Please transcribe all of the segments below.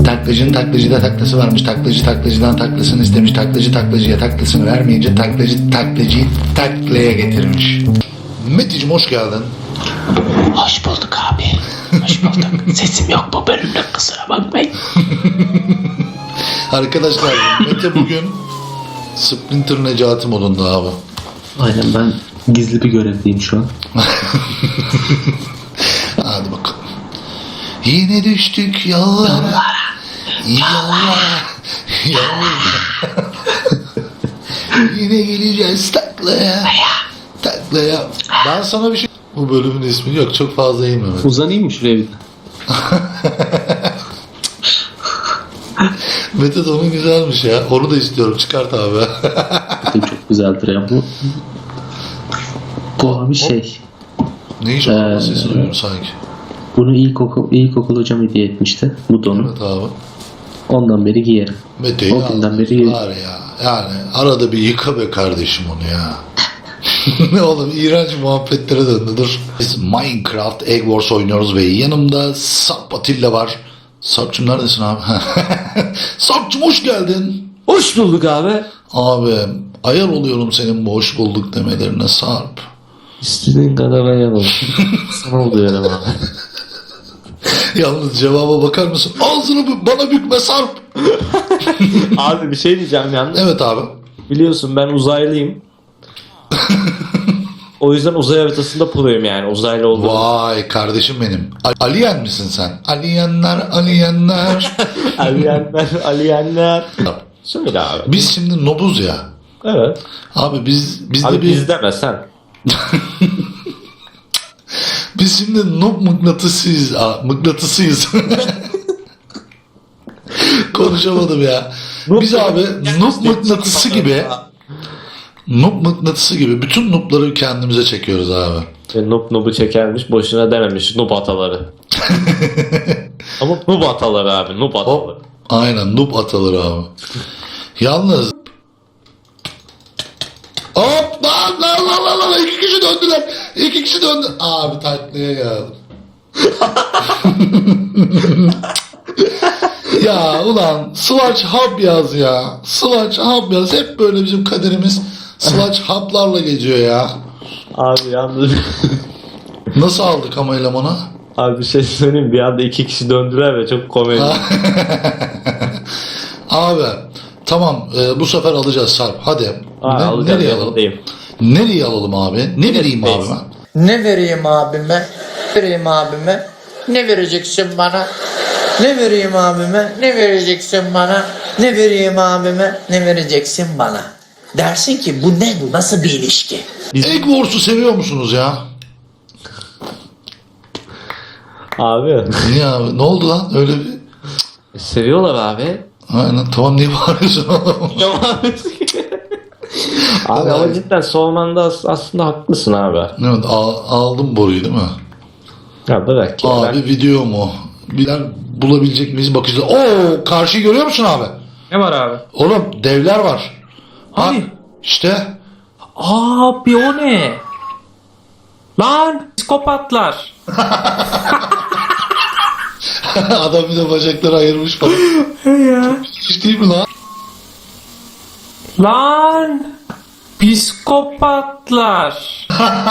Taklacının taklacıda taklası varmış. Taklacı taklacıdan taklasını istemiş. Taklacı taklacıya taklasını vermeyince taklacı taklacıyı taklaya getirmiş. Meteciğim hoş geldin. Hoş bulduk abi. Hoş bulduk. Sesim yok bu bölümde, kusura bakmayın. Arkadaşlar Mete bugün Splinter Necati modunda abi. Aynen, ben gizli bir görevdeyim şu an. Hadi bakalım. Yine düştük yollara. Yollara. Yine geleceğiz taklaya. Taklaya. Ben sana bir şey... Bu bölümün ismi yok. Çok fazla eğilme. Uzanayım mı şuraya bir? Mete de onun güzelmiş ya. Onu da istiyorum. Çıkart abi. Çok güzeldir ya bu. Bu abi şey. Ne iş o? Sesi duyuyorum sanki. Bunu ilkokul hocam hediye etmişti. Bu donu. Evet abi. Ondan beri giyerim. Mete'yi O günden beri giyerim. var ya. Yani arada bir yıka be kardeşim onu ya. Ne oğlum, iğrenç muhabbetlere döndü. Dur. Biz Minecraft Egg Wars oynuyoruz ve yanımda Sarp Atilla var. Sarp'cığım neredesin abi? Sarp'cığım hoş geldin. Hoş bulduk abi. Abi ayar oluyorum senin bu hoş bulduk demelerine Sarp. İstediğin kadar ayarım. Sana oluyor abi. Yalnız cevaba bakar mısın? Ağzını bana bükme Sarp. Abi bir şey diyeceğim yalnız. Evet abi. Biliyorsun ben uzaylıyım. O yüzden uzay haritasında proyum yani, uzaylı olduğum. Vay kardeşim benim. Alien misin sen? Alienler. Aliyenler. Söyle abi. Biz şimdi nobuz ya. Evet. Abi bizde Abi bir... biz deme sen. Biz şimdi noob mıknatısıyız. Mıknatısıyız. Konuşamadım ya. Biz abi noob mıknatısı gibi bütün noobları kendimize çekiyoruz abi. Noob çekermiş, boşuna dememiş noob ataları. Ama noob ataları abi, noob ataları. Aynen noob ataları abi. Yalnız hop lan iki kişi döndüler. İki kişi döndü. Abi taklaya geldim. Ya ulan Swatch Hub yaz ya. Swatch Hub yaz. Hep böyle bizim kaderimiz Swatch Hub'larla geçiyor ya. Abi yalnız... Nasıl aldık ama elemanı? Abi bir şey söyleyeyim, bir anda iki kişi döndüler ve çok komedi. Abi tamam, bu sefer alacağız Sarp. Hadi. Alacağım, nereye alalım? yanındayım. Nereye alalım abi? Ne vereyim abime? Ne vereyim abime? Vereyim abime. Ne vereceksin bana? Ne vereyim abime? Ne vereceksin bana? Ne vereyim abime? Ne vereceksin bana? Dersin ki bu ne, bu nasıl bir ilişki? Egg Wars'u seviyor musunuz ya? Abi. Niye abi? Ne oldu lan? Öyle bir... Seviyorlar abi. Aynen. Tamam, niye bağırıyorsun oğlum? Abi ama cidden sormanda aslında haklısın abi. Evet, aldım boruyu değil mi? Ya bırak ya. Abi video mu? Bilen bulabilecek miyiz bakacağız. Oo, karşıyı görüyor musun abi? Ne var abi? Oğlum devler var. Ha, Abi. işte. Abi o ne? Lan psikopatlar. Adam bir de bacakları ayırmış falan. Ya. Hiç değil mi lan? Lan psikopatlar.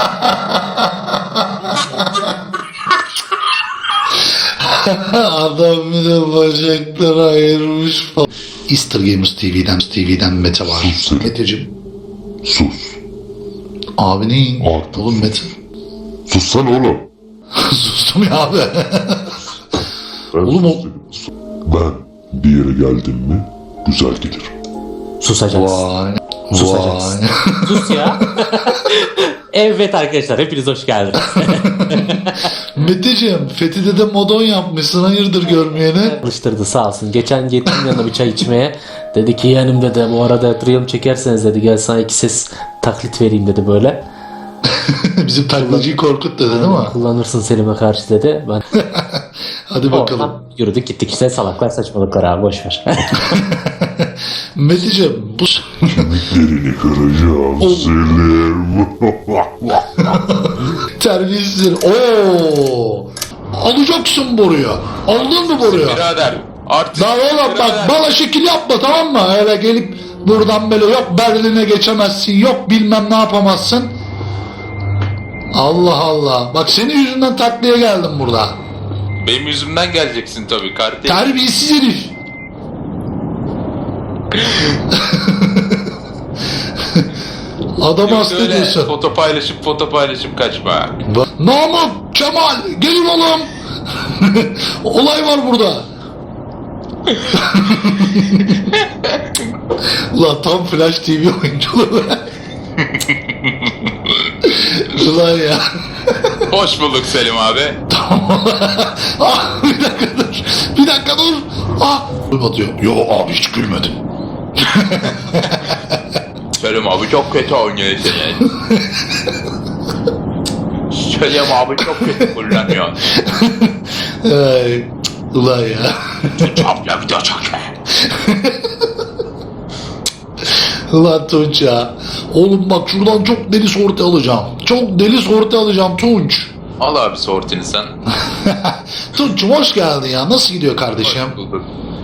Adam bir de bacakları ayırmış falan. Easter Gamers TV'den Mete var. Meteciğim. Sus. Abi neyin? Artık. Oğlum Mete. Sussana oğlum. Sustum ya abi. Ben Oğlum o... Ben bir yere geldim mi güzel gelir. Susacaksın. Vay. Susacaksın. Vay. Sus ya. Evet arkadaşlar, hepiniz hoş geldiniz. Meteciğim, Fethi'de de modon yapmışsın, hayırdır görmeyene. Alıştırdı sağ olsun. Geçen gittim yanına bir çay içmeye. Dedi ki yeğenim dedi, bu arada Triumph çekerseniz dedi, gel sana iki ses taklit vereyim dedi böyle. Bizim taklacıyı korkut dedi değil mi? Kullanırsın Selim'e karşı dedi. Ben Hadi bakalım. oradan yürüdük gittik işte, salaklar saçmalıklar abi, boşver. Meteciğim, bu... Kemiklerini kıracağım Selim. Terbiyesiz. Oo! Alacaksın boruyu. Aldın mı boruyu? Birader Artık Lan oğlum bak bana şekil yapma, tamam mı? Öyle gelip buradan böyle yok Berlin'e geçemezsin, yok bilmem ne yapamazsın. Allah Allah. Bak senin yüzünden taklaya geldim burada. benim yüzümden geleceksin tabii kardeş. Terbiyesiz herif. Adamı Yok hasta öyle ediyorsun. foto paylaşıp kaçma. Namık, Kemal, gelin oğlum. Olay var burada. Ulan tam Flash TV oyunculuğu. Ulan ya. Hoş bulduk Selim abi. Ah, bir dakika dur. Bir dakika dur. Ah. Batıyor. Yo abi hiç gülmedim. Selim abi çok kötü oynuyorsunuz. Selim abi çok kötü kullanıyor. Ay, ulan ya. Çapla video çekme. Ulan Tunç ya. Oğlum bak şuradan çok deli sorti alacağım. Çok deli sorti alacağım Tunç. Al abi sortini sen. Tunç'um hoş geldin ya. Nasıl gidiyor kardeşim? Hoş bulduk.